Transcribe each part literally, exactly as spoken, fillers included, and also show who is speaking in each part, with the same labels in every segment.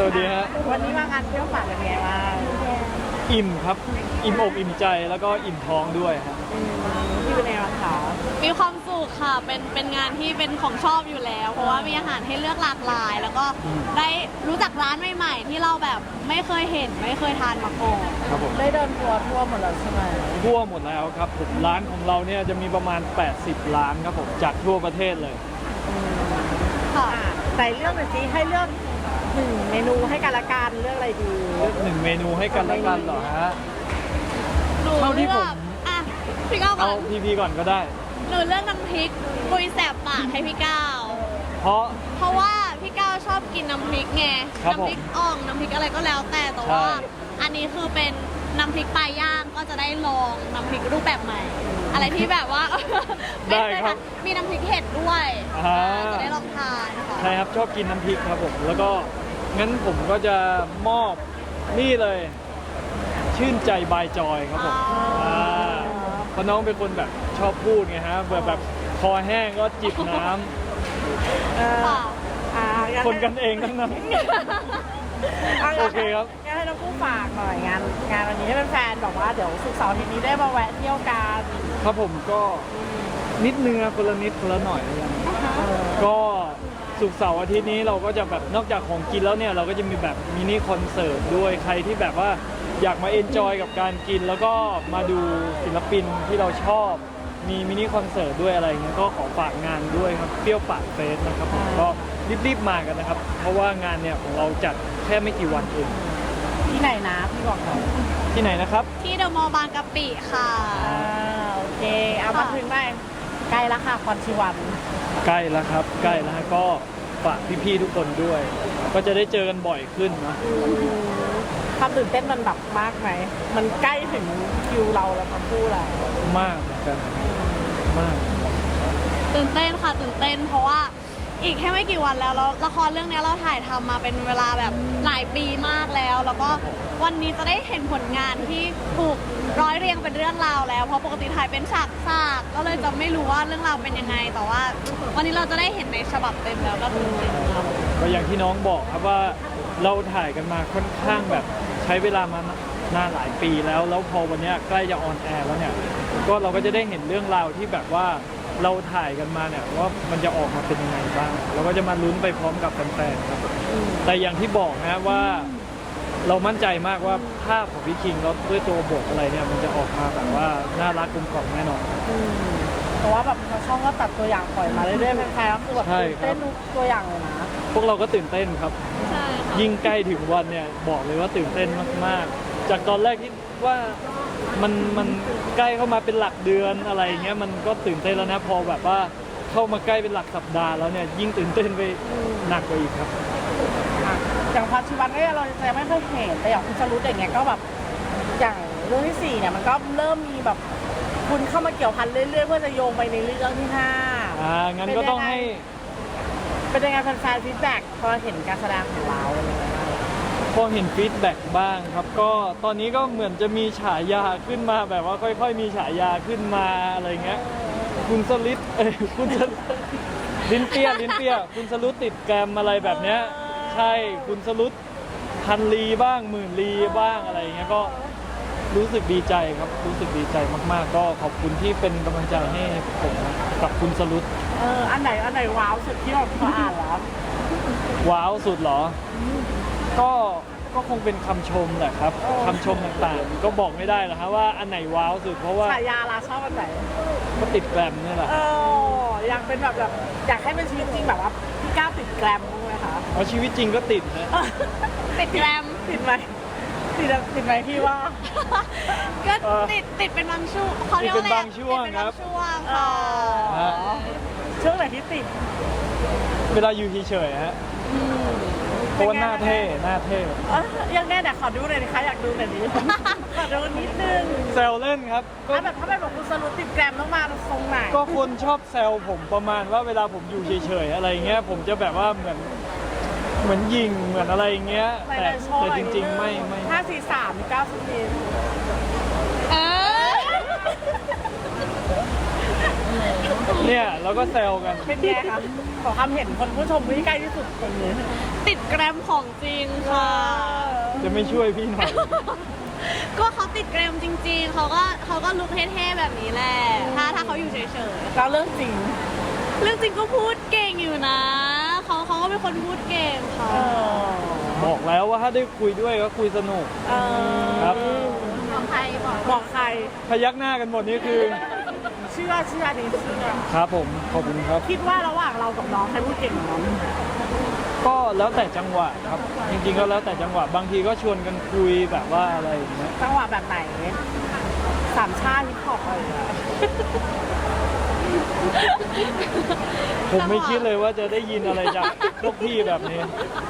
Speaker 1: วัสดีฮะ
Speaker 2: วันนี้มางานเที่ยวฝากเป็นไงบ้าง
Speaker 1: อิ่มครับอิ่มอกอิ่มใจแล้วก็อิ่มท้องด้วยครับ
Speaker 2: ที่เป็นไงบ้างคะ
Speaker 3: มีความสุขค่ะเป็นเป็นงานที่เป็นของชอบอยู่แล้ว เพราะว่ามีอาหารให้เลือกหลากหลาย แล้วก็ได้รู้จักร้านใหม่ๆที่เราแบบไม่เคยเห็นไม่เคยทานมาก่อน
Speaker 1: ครับผม
Speaker 2: ได้เดินทัวร์ทั่วหมดแล้วใช่ไหม
Speaker 1: ทั่วหมดแล้วครับผมร้านของเราเนี่ยจะมีประมาณแปดสิบร้านครับผมจากทั่วประเทศเลย
Speaker 2: ค่ะใส่เรื่องหน่อยสิให้เลือกหนึ่งเมนูให้กันละกันเลือกอะไรดี
Speaker 1: เลือกหนึ่งเมนูให้กันละกันเหรอฮะ
Speaker 3: หนูเลือกอ่ะพี่ก้าวก่
Speaker 1: เอา
Speaker 3: อน
Speaker 1: พีพีก่อนก็ได้
Speaker 3: หนูเลือกน้ำพริกปุยแสบปากให้พี่ก้าว
Speaker 1: เพราะ
Speaker 3: เพราะว่าพี่ก้าวชอบกินน้ำพริกไงน้ำพริกอ่องน้ำพริกอะไรก็แล้วแต่แต่ว่าอันนี้คือเป็นน้ำพริกปลาย่างก็จะได้ลองน้ำพริกรูปแบบใหม่อะไรที่แบบว่าไม่เคยทานมีน้ำพริกเห็ดด้วยจะได้ลองทานค่ะ
Speaker 1: ใช่ครับชอบกินน้ำพริกครับผมแล้วก็งั้นผมก็จะมอบนี่เลยชื่นใจบายจอยครับผมเพราะน้องเป็นคนแบบชอบพูดไงฮะแบบแบบคอแห้งก็จิบน้ำคนกันเองทั้งนั้นโอเคครับ
Speaker 2: งั้นให้น้องผู้ฝากหน่อยงานงานวันนี้ให้แฟนๆบอกว่าเดี๋ยวศุกร์เสาร์อาทิตย์นี้ได้มาแวะเที่ยวกัน
Speaker 1: ครับผมก็นิดนึงนะคนละนิดคนละหน่อยนะก็ศุกร์เสาร์อาทิตย์นี้เราก็จะแบบนอกจากของกินแล้วเนี่ยเราก็จะมีแบบมินิคอนเสิร์ตด้วยใครที่แบบว่าอยากมาเอนจอยกับการกินแล้วก็มาดูศิลปินที่เราชอบมีมินิคอนเสิร์ตด้วยอะไรเงี้ยก็ขอฝากงานด้วยครับเปรี้ยวปากเฟสนะครับผมก็รีบๆมากันนะครับเพราะว่างานเนี่ยของเราจัดแค่ไม่กี่วันเอง
Speaker 2: ที่ไหนนะพี่บอกหน่อย
Speaker 1: ที่ไหนนะครับ
Speaker 3: ที่เดอะมอลล์บางกะปิค่ะ
Speaker 2: อ่าโอเคเอามาถึงได้ใกล้แล้วค่ะคอนชิวัน
Speaker 1: ใกล้แล้วครับใกล้แล้วก็ฝากพี่ๆทุกคนด้วย ก็จะได้เจอกันบ่อยขึ้นนะ
Speaker 2: ความตื่นเต้นมันแบบมากไหมมันใกล้ถึงคิวเราแล้วทั้งคู่แล้ว
Speaker 1: มากเหมือนกันมาก
Speaker 3: ตื่นเต้นค่ะตื่นเต้นเพราะว่าอีกแค่ไม่กี่วันแล้วแล้วละครเรื่องนี้เราถ่ายทำมาเป็นเวลาแบบหลายปีมากแล้วแล้วก็วันนี้จะได้เห็นผลงานที่ถูกร้อยเรียงเป็นเรื่องราวแล้วเพราะปกติถ่ายเป็นฉากฉากก็เลยจะไม่รู้ว่าเรื่องราวเป็นยังไงแต่ว่าวันนี้เราจะได้เห็นในฉบับเต็มแล้วก็ตื่นเต้นครับ
Speaker 1: ก็อย่างที่น้องบอกครับว่าเราถ่ายกันมาค่อนข้างแบบใช้เวลามานานหลายปีแล้วแล้วพอวันนี้ใกล้จะออนแอร์แล้วเนี่ยก็เราก็จะได้เห็นเรื่องราวที่แบบว่าเราถ่ายกันมาเนี่ยว่ามันจะออกมาเป็นยังไงบ้างเราก็จะมาลุ้นไปพร้อมกับแฟนๆครับแต่อย่างที่บอกนะว่าเรามั่นใจมากว่าภาพของพี่คิงแล้วด้วยตัวบทอะไรเนี่ยมันจะออกมาแบบว่าน่ารักกลมกล่อมแน่นอน
Speaker 2: เพราะว่าแบบช่องก็ตัดตัวอย่างปล่อยมาเรื่อยๆแฟนๆก็คือแบบตื่นเต้นตัวอย่างเลยนะ
Speaker 1: พวกเราก็ตื่นเต้นครับยิ่งใกล้ถึงวันเนี่ยบอกเลยว่าตื่นเต้นมากๆจากตอนแรกที่ว่ามันมันใกล้เข้ามาเป็นหลักเดือนอะไรเงี้ยมันก็ตื่นเต้นแล้วนะพอแบบว่าเข้ามาใกล้เป็นหลักสัปดาห์แล้วเนี่ยยิ่งตื่นเต้นไปหนักกว่าอีกครับ
Speaker 2: อย่างพัชวันเนี่ยเราจะไม่ค่อยเห็นแต่อย่างคุณชลุดอย่างเงี้ยก็แบบอย่างเรื่องที่สี่เนี่ยมันก็เริ่มมีแบบคุณเข้ามาเกี่ยวพันเรื่อยๆเพื่อจะโยงไปในเรื่องที่ห้า
Speaker 1: อ่างั้นก็ต้องให้
Speaker 2: เป็นยังไงแฟนๆฟีดแบ็กพอเห็นการแสดงของเรา
Speaker 1: พอเห็นฟีดแบ็กบ้างครับก็ตอนนี้ก็เหมือนจะมีฉายาขึ้นมาแบบว่าค่อยๆมีฉายาขึ้นมาอะไรเงี้ยคุณสลิดเอ้ยคุณลิ้นเปี้ยลิ้นเปี้ยคุณสลุดติดแกรมอะไรแบบเนี้ยใช่คุณสลุดพันลีบ้างหมื่นลีบ้างอะไรเงี้ยก็รู้สึกดีใจครับรู้สึกดีใจมากๆก็ขอบคุณที่เป็นกำลังใจให้ผมกับคุณสลุด
Speaker 2: เอออันไหนอันไหนว้าวสุดที่เราอ่านแล้ว
Speaker 1: ว้าวสุดเหรอก็ก็คงเป็นคำชมแหละครับคำชมต่างๆก็บอกไม่ได้หรอกครับว่าอันไหนว้าวสุดเพราะว่า
Speaker 2: ฉายาลาชอบอันไหน
Speaker 1: ก็ติดแกรมนี่แหละ
Speaker 2: เอออยากเป็นแบบแบบอยากให้เป็นชีวิตจริงแบบว่าพี่ก้าวติดแกรมไหมคะ
Speaker 1: เอาชีวิตจริงก็ติดนะ
Speaker 3: ติดแกรม
Speaker 2: ติดไหมติดติดไหมพี่ว่า
Speaker 3: ก็ติดติดเป็นบางช่วงเขาเรียกว่าอะไร
Speaker 1: เป็นบางช่วงครับ
Speaker 3: ช่วงค่ะ
Speaker 2: ช่วงไหนที่ติด
Speaker 1: เวลาอยู่เฉยๆฮะเพราะว่าหน้าเท่หน้าเท่
Speaker 2: ยังแน่แต่ขอดูหน่อยนะคะอยากดูหน่อยดิขอดูนิดนึง
Speaker 1: แซวเล่นครับ
Speaker 2: ถ้าแบบถ้าเป็นแบบคุณสรุปติดแกรมต้องมาทรงไหน
Speaker 1: ก็คนชอบแซวผมประมาณว่าเวลาผมอยู่เฉยๆอะไรเงี้ยผมจะแบบว่าเหมือนเหมือนยิงเหมือนอะไรเงี้ยแต่แต่จริงๆไม่ไม่
Speaker 2: ห้าสี่สามเก้าสิบปีเออ
Speaker 1: เนี่ยเราก็แซวกัน
Speaker 2: เป็นไงคะขอความเห็นคนผู้ชมที่ใกล้ที่สุดคนนี้
Speaker 3: ติดแกรมของจริงค่ะ
Speaker 1: จะไม่ช่วยพี่หน่อย
Speaker 3: ก็เขาติดแกรมจริงๆ เขาก็เขาก็ลุกเท่ๆแบบนี้แหละ ถ้าถ้าเขาอยู่เฉย
Speaker 2: เราเรื่องจริง
Speaker 3: ๆ เรื่องจริงก็พูดเก่งอยู่นะ เขาเขาก็เป็นคนพูดเก่งค่ะ
Speaker 2: เออ
Speaker 1: บอกแล้วว่าถ้าได้คุยด้วยก็คุยสนุก
Speaker 2: เออ
Speaker 1: ครับ
Speaker 3: บอกใครบอก
Speaker 2: บอกใคร
Speaker 1: พยักหน้ากันหมดนี่คือ
Speaker 2: เชื่อเชื่อดีเชื่อ
Speaker 1: ครับผมขอบคุณครับ
Speaker 2: คิดว่าระหว่างเรากับน้องใครพูดเก่งกว่าน้อง
Speaker 1: ก็แล้วแต่จังหวะครับ จริงๆก็แล้วแต่จังหวะบางทีก็ชวนกันคุยแบบว่าอะไรอย่างเงี้ย
Speaker 2: จังหวะแบบไหนสามชาติฮิปฮอปอะไรอย่างเงี้ย
Speaker 1: ผมไม่คิดเลยว่าจะได้ยินอะไรจากพวกพี่แบบนี้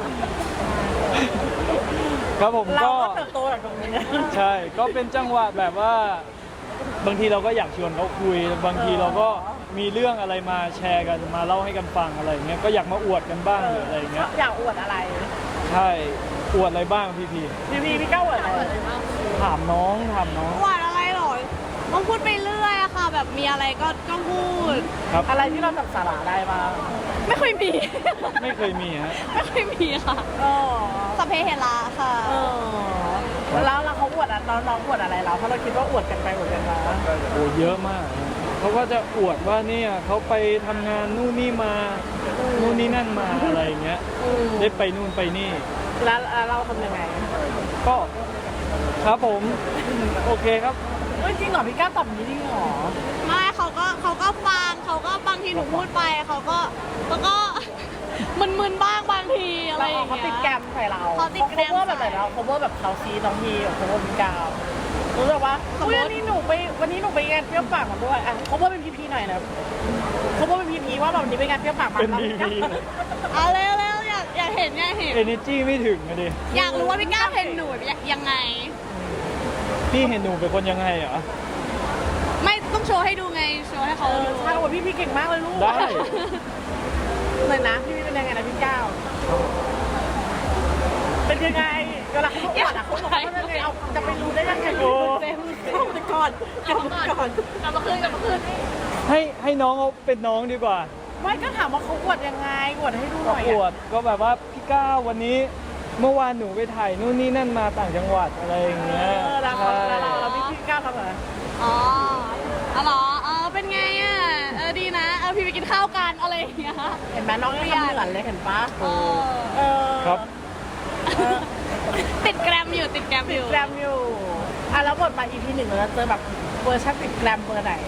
Speaker 1: ครับผม
Speaker 2: เรา
Speaker 1: ก็
Speaker 2: ก็เติบโตจากตรงนี้
Speaker 1: ใช่ ก็เป็นจังหวะแบบว่า บางทีเราก็อยากชวนเขาคุย บางทีเราก็มีเรื่องอะไรมาแชร์กันมาเล่าให้กันฟังอะไรอย่างเงี้ยก็อยากมาอวดกันบ้างหรืออะไรอย่างเงี้ย
Speaker 2: อยากอวดอะไร
Speaker 1: ใช่อวดอะไรบ้างพี่พี่
Speaker 2: พี่พี่พี่ก้าวอวดอะไร
Speaker 1: ถามน้องถามน้อง
Speaker 3: หวานอะไรหรอต้องพูดไปเรื่อยอะค่ะ แบบมีอะไรก็ก็พูด
Speaker 1: ครับ
Speaker 2: อะไรที่เราจับสาระได้บ้าง
Speaker 3: ไม่ค่อยมี
Speaker 1: ไม่เคยมีฮะ
Speaker 3: ไม่ค่อยมีค่ะ
Speaker 2: เออ
Speaker 3: สพเพเหระค่ะ
Speaker 2: เออแล้วเราเขาอวดอะน้องน้องอวดอะไรเราเพราะเราคิดว่าอวดกันไปอวดกันมา
Speaker 1: โอ้เยอะมากนะเขาก็จะอวดว่าเนี่ยเขาไปทำงานนู่นนี่มานู่นนี่นั่นมาอะไรอย่างเงี้ย
Speaker 2: อืม
Speaker 1: ได้ไปนู่นไปนี่
Speaker 2: แล้วแล้วเราทำยังไง
Speaker 1: ก็ครับผมโอเคครับ
Speaker 2: เฮ้ยจริงเหรอพี่ก้าวตอบอย่างนี้จริงเหรอ
Speaker 3: ไม่เขาก็เขาก็ฟังเขาก็บางทีหนูพูดไปเขาก็เขาก็ มึนๆบ้างบางทีอะไร
Speaker 2: เรา
Speaker 3: อย่าง
Speaker 2: เขา
Speaker 3: เงี้ย
Speaker 2: ติดแกรมใส่เรา
Speaker 3: เขาติดแกรม
Speaker 2: เขา cover แบบไหนเรา cover แบบเขาซีน้องพีกับ cover พี่ก้าวรู้สึกว่าอุ้ยวันนี้หนูไปวันนี้หนูไปงานเปรี้ยวปากมาด้วยอ่ะ cover เป็นพีพีหน่อยนะ cover เป็นพีพีว่าแบบวันนี้ไปงานเปรี้ยวปากมา
Speaker 1: เป็น
Speaker 2: แล้ว
Speaker 1: พีพี
Speaker 3: เอาเร็วเร็วอยากอยากเห็นอยากเห็น
Speaker 1: เอเนจีไม่ถึงนะดิ
Speaker 3: อยากรู้ว่าพี่ก้าวเห็นหนูยังไง
Speaker 1: พี่เห็นหนูเป็นคนยังไงเหรอ
Speaker 3: ไม่ต้องโชว์ให้ดูไงโชว์ให้
Speaker 2: เอ
Speaker 3: เขา
Speaker 2: อ
Speaker 3: ดู
Speaker 2: ใช่โอ้ยพี่พีเก่งมากเลยลูก
Speaker 1: ได้
Speaker 2: เลยนะพี่พีเป็นยังไงนะพี่ก้าวเป็นยังไงเวลาเขาบอกอ่ะเขาบอกว่าเป็นยังไงเอาจะไปรู้ได้ยังไง
Speaker 1: โอ้
Speaker 2: เต็มแต่ก่อนก่อนก่อน
Speaker 3: กลับมาคืนกลับมาคืน
Speaker 1: ให้ให้น้องเขาเป็นน้องดีกว่า
Speaker 2: ไม่ก็ถามว่าเขาอวดยังไงอวดให้ดูห
Speaker 1: ก็
Speaker 2: น่อย
Speaker 1: อวดก็แบบว่าพี่ก้าววันนี้ เมื่อวานหนูไปถ่ายนู่นนี่นั่นมาต่างจังหวัดอะไรอย่าง
Speaker 2: เอ
Speaker 1: เงี้ย
Speaker 2: อแล้ว
Speaker 1: ใช่
Speaker 2: เราเราเราพี่พี่ก้าวทำอะไร
Speaker 3: อ๋ออ๋อเหรอเออเป็นไงอ่ะเออดีนะเออพี่ไปกินข้าวกันอะไรอย่างเงี้ย
Speaker 2: เห็นไหมน้องยังทำเหมือนเลยเห็นปะ
Speaker 3: เออ
Speaker 2: เออ
Speaker 1: ครับ
Speaker 2: เออ
Speaker 3: ติดแกรมอยู่ติดแกรม
Speaker 2: ติ
Speaker 3: อ
Speaker 2: ด
Speaker 3: ยู่
Speaker 2: แกรมอยู่อ่ะแล้วบทมา อี พี หนึ่งเราจะเจอแบบเวอร์ชันติดแกรมเบอร์ไหน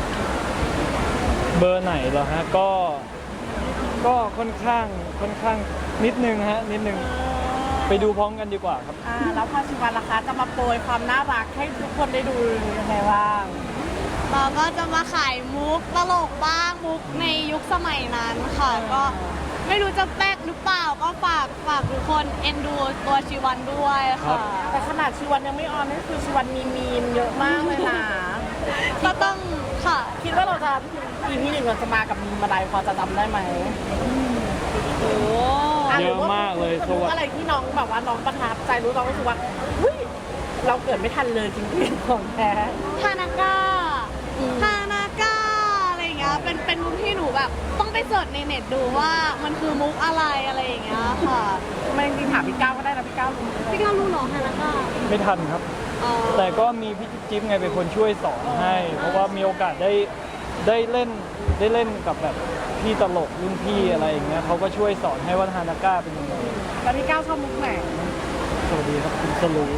Speaker 1: เบอร์ไหนเหรอฮะก็ก็ค่อนข้างค่อนข้างนิดนึงฮะนิดนึงไปดูพร้อมกันดีกว่าครับ
Speaker 2: อ่าแล้วพอชิวันล่ะคะจะมาโปรยความน่ารักให้ทุกคนได้ดูยังไงบ้าง
Speaker 3: เราก็จะมาขายมุกตลกบ้างมุกในยุคสมัยนั้นค่ะ ก็ไม่รู้จะแป๊กหรือเปล่าก็ฝากฝากทุกคนเอ็นดูตัวชีวันด้วย
Speaker 1: ครั
Speaker 3: ค่ะ
Speaker 1: บ
Speaker 2: แต่ขนาดชิวันยังไม่ออนนี่คือชิวันมีมีมเยอะมากเลยนะ
Speaker 3: ก็ต้องค่ะ
Speaker 2: คิดว่าเราจะ อี พี หนึ่งเราจะมากับมีมอะไรพอจะจำได้ไหม
Speaker 3: โอ้
Speaker 2: ะ
Speaker 1: เยอะมากเลย
Speaker 2: หรือว่าอะไรที่น้องแบบว่าน้องประทับใจรู้น้องรู้สึกว่าอุ้ยเราเกิดไม่ทันเลยจริงๆของแท้
Speaker 3: ฮานาก้าฮานาก้าอะไรอย่างเงี้ยเป็นเป็นมุกที่หนูแบบ ต้องไปเสิร์ชในเน็ตดูว่ามันคือมุกอะไรอะไรอย่างเงี้ยค่ะ
Speaker 2: ไม่จริงๆถามพี่ก้าวก็ได้นะพี่ก้าวรู้ไหม
Speaker 3: พี่ก้าวรู้เหรอฮานาก้า
Speaker 1: ไม่ทันครับ
Speaker 3: อ๋อ
Speaker 1: แต่ก็มีพี่จิ๊บจิ๊บไงเป็นคนช่วยสอนให้ เพราะว่ามีโอกาสได้ได้เล่นได้เล่นกับแบบพี่ตลกรุ่นพี่อะไรอย่างเงี้ยเขาก็ช่วยสอนให้ว่าฮานาก้าเป็นยังไง
Speaker 2: แล้วพี่ก้าวชอบมุกไหน
Speaker 1: สวัสดีครับคุณสลู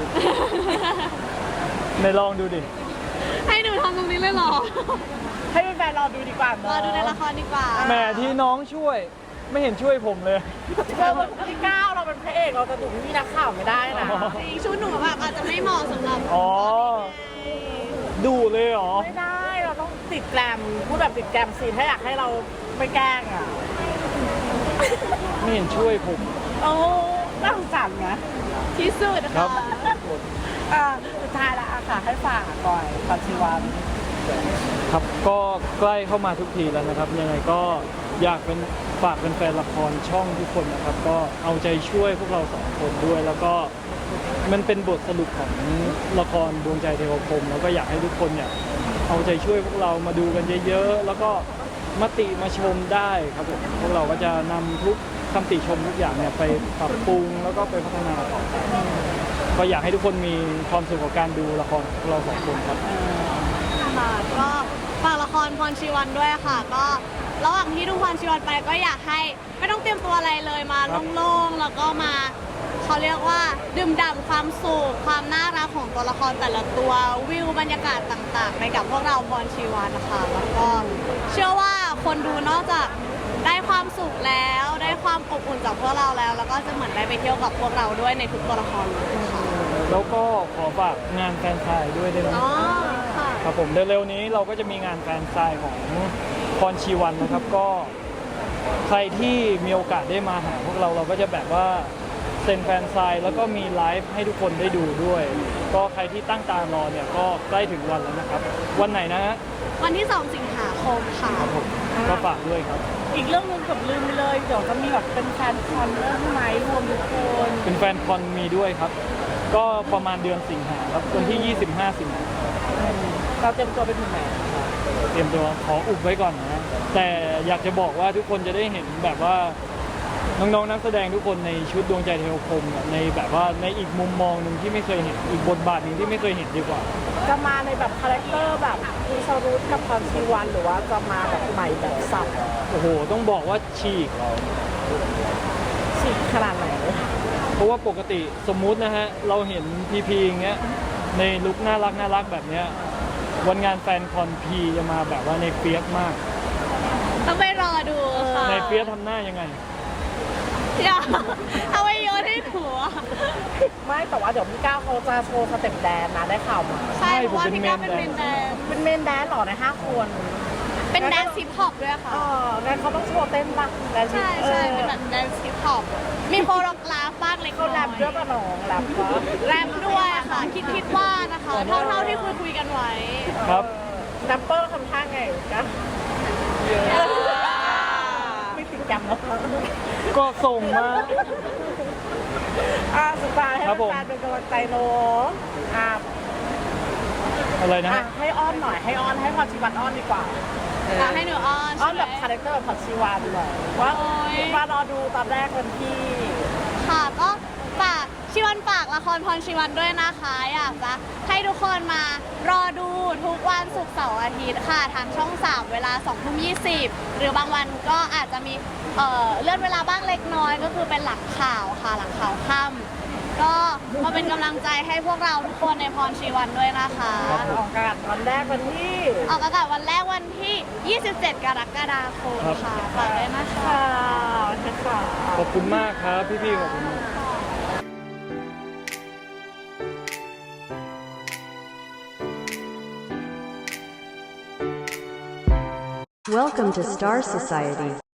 Speaker 1: ในลองดูดิ
Speaker 3: ให้หนูทำตรงนี้เลยเหรอ
Speaker 2: ให้แฟนๆรอดูดีกว่าเน
Speaker 3: ร
Speaker 2: อะ
Speaker 3: อดูในละครดีกว่า
Speaker 1: แหมที่น้องช่วยไม่เห็นช่วยผมเลย
Speaker 2: เออพี่ก้าวเราเป็นพระเอกเราจะดุพี่นักข่าวไม่ได้นะ
Speaker 1: อ๋อ
Speaker 3: จริงชุดหนูแบบอาจจะไม่เหมาะสำหรับ
Speaker 1: อ๋อ ดูเลยเหรอ
Speaker 2: ไม่ได้เราต้องติดแกรมพูดแบบติดแกรมสิถ้าอยากให้เราไม่แกล้งอ่ะ
Speaker 1: ไม่เห็นช่วยผม
Speaker 2: โอ้น่าสงสารนะ
Speaker 3: ที่สุด
Speaker 1: ครั
Speaker 3: ค่ะ
Speaker 1: บ
Speaker 2: อ่าสุดท้ายละอะค่ะให้ฝากก่อนปัจจุบัน
Speaker 1: ครับก็ใกล้เข้ามาทุกทีแล้วนะครับ ยังไงก็อยากเป็นฝากเป็นแฟนละครช่องทุกคนนะครับ ก็เอาใจช่วยพวกเราสองคนด้วย แล้วก็มันเป็นบทสรุปของละครดวงใจเทวพรหมแล้วก็อยากให้ทุกคนเนี่ยเอาใจช่วยพวกเรามาดูกันเยอะๆแล้วก็มติมาชมได้ครับผมพวกเราก็จะนำทุกคำติชมทุกอย่างเนี่ยไปปรับปรุงแล้วก็ไปพัฒนาต่อก็อยากให้ทุกคนมีความสุขกับการดูละครของพวกเราสองคนครับ
Speaker 3: ค่ะก็ฝากละครพรชีวันด้วยค่ะ ก็ระหว่างที่ดูพรชีวันไปก็อยากให้ไม่ต้องเตรียมตัวอะไรเลยมา
Speaker 1: ครับ
Speaker 3: โล่งๆแล้วก็มาเขาเรียกว่าดื่มด่ำความสุขความน่ารักของตัวละครแต่ละตัววิวบรรยากาศต่างๆ ไปกับพวกเราพรชีวันนะคะแล้วก็เชื่อว่าคนดูนอกจากได้ความสุขแล้วได้ความอบอุ่นจากพวกเราแล้ว แล้วก็จะเหมือนได้ไปเที่ยวกับพวกเราด้วยในทุกตัวละครเลยค่ะ
Speaker 1: แล้วก็ขอฝากงานแฟนไซน์ด้วยได้ไหม
Speaker 3: อ๋อค่ะ
Speaker 1: ครับผมเร็วๆนี้เราก็จะมีงานแฟนไซน์ของพรชีวันนะครับก็ใครที่มีโอกาสได้มาหาพวกเราเราก็จะแบบว่าเซ็นแฟนไซน์แล้วก็มีไลฟ์ให้ทุกคนได้ดูด้วย ก็ใครที่ตั้งตารอเนี่ยก็ใกล้ถึงวันแล้วนะครับวันไหนนะฮะ
Speaker 3: วันที่สองสิงหาคมค่ะ
Speaker 1: ครับผมก็ฝากด้วยครับ
Speaker 2: อีกเรื่องหนึงเกือบลืมไปเลยเดี๋ยวจะมีแบบเป็นแฟนคอนเรื่องไหมรวมทุกคน
Speaker 1: เป็นแฟนคอนมีด้วยครับ ก็ประมาณเดือนสิงหาครับวันที่ ยี่สิบห้า สิงหา
Speaker 2: เราเตรียมตัวไปถึงไหน
Speaker 1: เตรียมตัวขออุบไว้ก่อนนะ แต่อยากจะบอกว่าทุกคนจะได้เห็นแบบว่าน้องๆนักแสดงทุกคนในชุดดวงใจเทวคมเนี่ยในแบบว่าในอีกมุมมองหนึ่งที่ไม่เคยเห็นอีกบทบาทหนึ่งที่ไม่เคยเห็นดีกว่า
Speaker 2: จะมาในแบบคาแรคเตอร์แบบมีชารุตกับพรชีวันหรือว่าจะมาแบบใหม่แบบสับ
Speaker 1: โอ้โหต้องบอกว่าฉีก
Speaker 2: ฉีกขนาดไหน
Speaker 1: เพราะว่าปกติสมมุตินะฮะเราเห็นพีพีอย่างเงี้ยในลุคน่ารักน่ารักแบบเนี้ยวันงานแฟนคอนพีจะมาแบบว่าในเฟียสมาก
Speaker 3: ต้องไปรอดูค่ะ
Speaker 1: ในเฟียสทำหน้ายังไง
Speaker 3: อย่าเอาไปโยนให้หัว
Speaker 2: ไม่แต่ว่าเดี๋ยวพี่ก้าวเขาจะโชว์สเต็ปแดนนะได้ข่าวมา
Speaker 3: ใช่
Speaker 1: ใช่
Speaker 3: เพราะว่า
Speaker 1: ผมเป็น
Speaker 3: พี่ก้าวเป็น
Speaker 1: เม
Speaker 3: เม
Speaker 1: น
Speaker 3: น
Speaker 1: แด
Speaker 3: แด
Speaker 1: น
Speaker 3: น
Speaker 2: เป็นเมนแดนเหรอในห้าคน
Speaker 3: เป็นแดนซิปฮอปด้วยค่ะ
Speaker 2: อ๋องั้นเขาต้องโชว์เต้นบ้างแดน
Speaker 3: ใช่ใช่เป็นแบบแดนซิปฮอปมีโคโรกราฟบ้างเล็กน้
Speaker 2: เขา
Speaker 3: อย
Speaker 2: แรปด้วยป่ะน้องแรปปะ
Speaker 3: แรปด้วยค่ะ คิดคิดว่านะคะ เท่าเท่าที่คุยคุยกันไว้
Speaker 1: ครับ
Speaker 2: แรปเปอร์ทำท่าไงกันไม่ติดแกรมแล้ว
Speaker 1: ก็ส่งมา
Speaker 2: อ่ะสุดท้ายให้
Speaker 1: ครับผม
Speaker 2: แฟนๆเป็นกำลังใจโน้อ่ะ
Speaker 1: อะไรนะ
Speaker 2: อ่ะ
Speaker 1: ฮะ
Speaker 2: ให้อ้อนหน่อยให้อ้อนให้พรชีวันอ้อนดีกว่า
Speaker 3: อ่ะให้หนูอ้อน
Speaker 2: อ้อ
Speaker 3: ใช่
Speaker 2: น
Speaker 3: ไหม
Speaker 2: แบบคาแรคเตอร์แบบพรชีวันหน่อยว่า
Speaker 3: โอ๊ย
Speaker 2: มารอดูตอนแรกวันที่
Speaker 3: ค่ะก็ฝากชิวันฝากละครพรชิวันด้วยนะคะ อยากจะให้ทุกคนมารอดูทุกวันศุกร์เสาร์อาทิตย์ค่ะทางช่องสามเวลาสองทุ่มยี่สิบหรือบางวันก็อาจจะมีเอ่อเลื่อนเวลาบ้างเล็กน้อยก็คือเป็นหลังข่าวค่ะหลังข่าวค่ำก็มาเป็นกำลังใจให้พวกเราทุกคนในพรชีวันด้วยนะคะ
Speaker 1: ครับผม
Speaker 2: ออกอากาศวันแรกวันที่
Speaker 3: ออกอากาศวันแรกวันที่ ยี่สิบเจ็ด กรกฎาคมค่ะฝากด้วยนะคะ
Speaker 2: ค่ะค่ะ
Speaker 1: ขอบคุณมากครับพี่ๆขอบคุณมาก
Speaker 4: Welcome to Star Society.